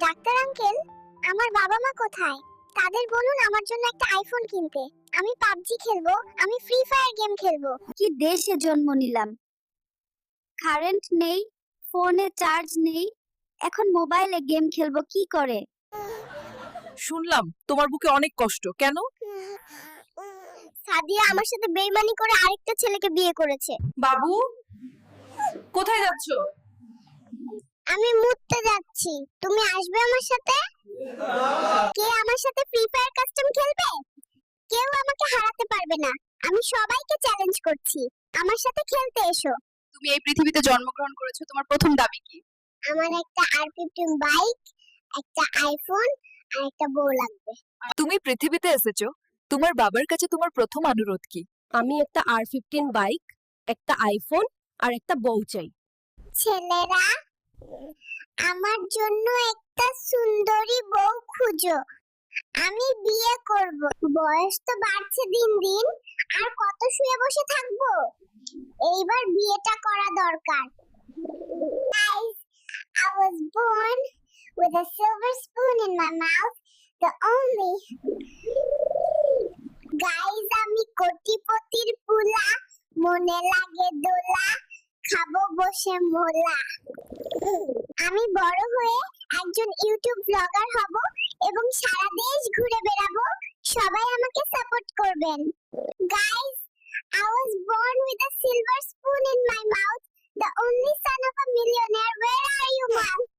Doctor uncle, আমার বাবা মা কোথায়? তাদের বলুন আমার জন্য একটা আইফোন কিনতে। আমি পাবজি খেলবো, আমি ফ্রি ফায়ার গেম খেলবো। কি দেশে জন্ম নিলাম, কারেন্ট নেই, ফোনে চার্জ নেই, এখন মোবাইলে গেম খেলবো কি করে? শুনলাম তোমার বুকে অনেক কষ্ট, কেন? সাদিয়া আমার সাথে বেইমানি করে আরেকটা ছেলেকে বিয়ে করেছে। বাবু, কোথায় যাচ্ছ? আমি মুততে যাচ্ছি, তুমি আসবে আমার সাথে? কে আমার সাথে ফ্রি ফায়ার কাস্টম খেলবে? কেউ আমাকে হারাতে পারবে না। আমি সবাইকে চ্যালেঞ্জ করছি, আমার সাথে খেলতে এসো। তুমি এই পৃথিবীতে জন্মগ্রহণ করেছো, তোমার প্রথম দাবি কি? আমার একটা R15 বাইক, একটা আইফোন আর একটা বউ লাগবে। তুমি পৃথিবীতে এসেছো, তোমার বাবার কাছে তোমার প্রথম অনুরোধ কি? আমি একটা R15 বাইক, একটা আইফোন আর একটা বউ চাই। ছেলেরা, আমার জন্য একটা সুন্দরী বউ খুঁজো, আমি বিয়ে করব। বয়স তো বাড়ছে দিন দিন, আর কত শুয়ে বসে থাকবো? এইবার বিয়েটা করা দরকার। Guys, I was born with a silver spoon in my mouth, the only. Guys, আমি কোটিপতির পুলা, মনে লাগে দোলা, খাবো বসে মোলা। আমি বড় হয়ে একজন ইউটিউব ব্লগার হব এবং সারা দেশ ঘুরে বেড়াবো, সবাই আমাকে সাপোর্ট করবেন। Guys, I was born with a silver spoon in my mouth, the only son of a millionaire. Where are you, mom?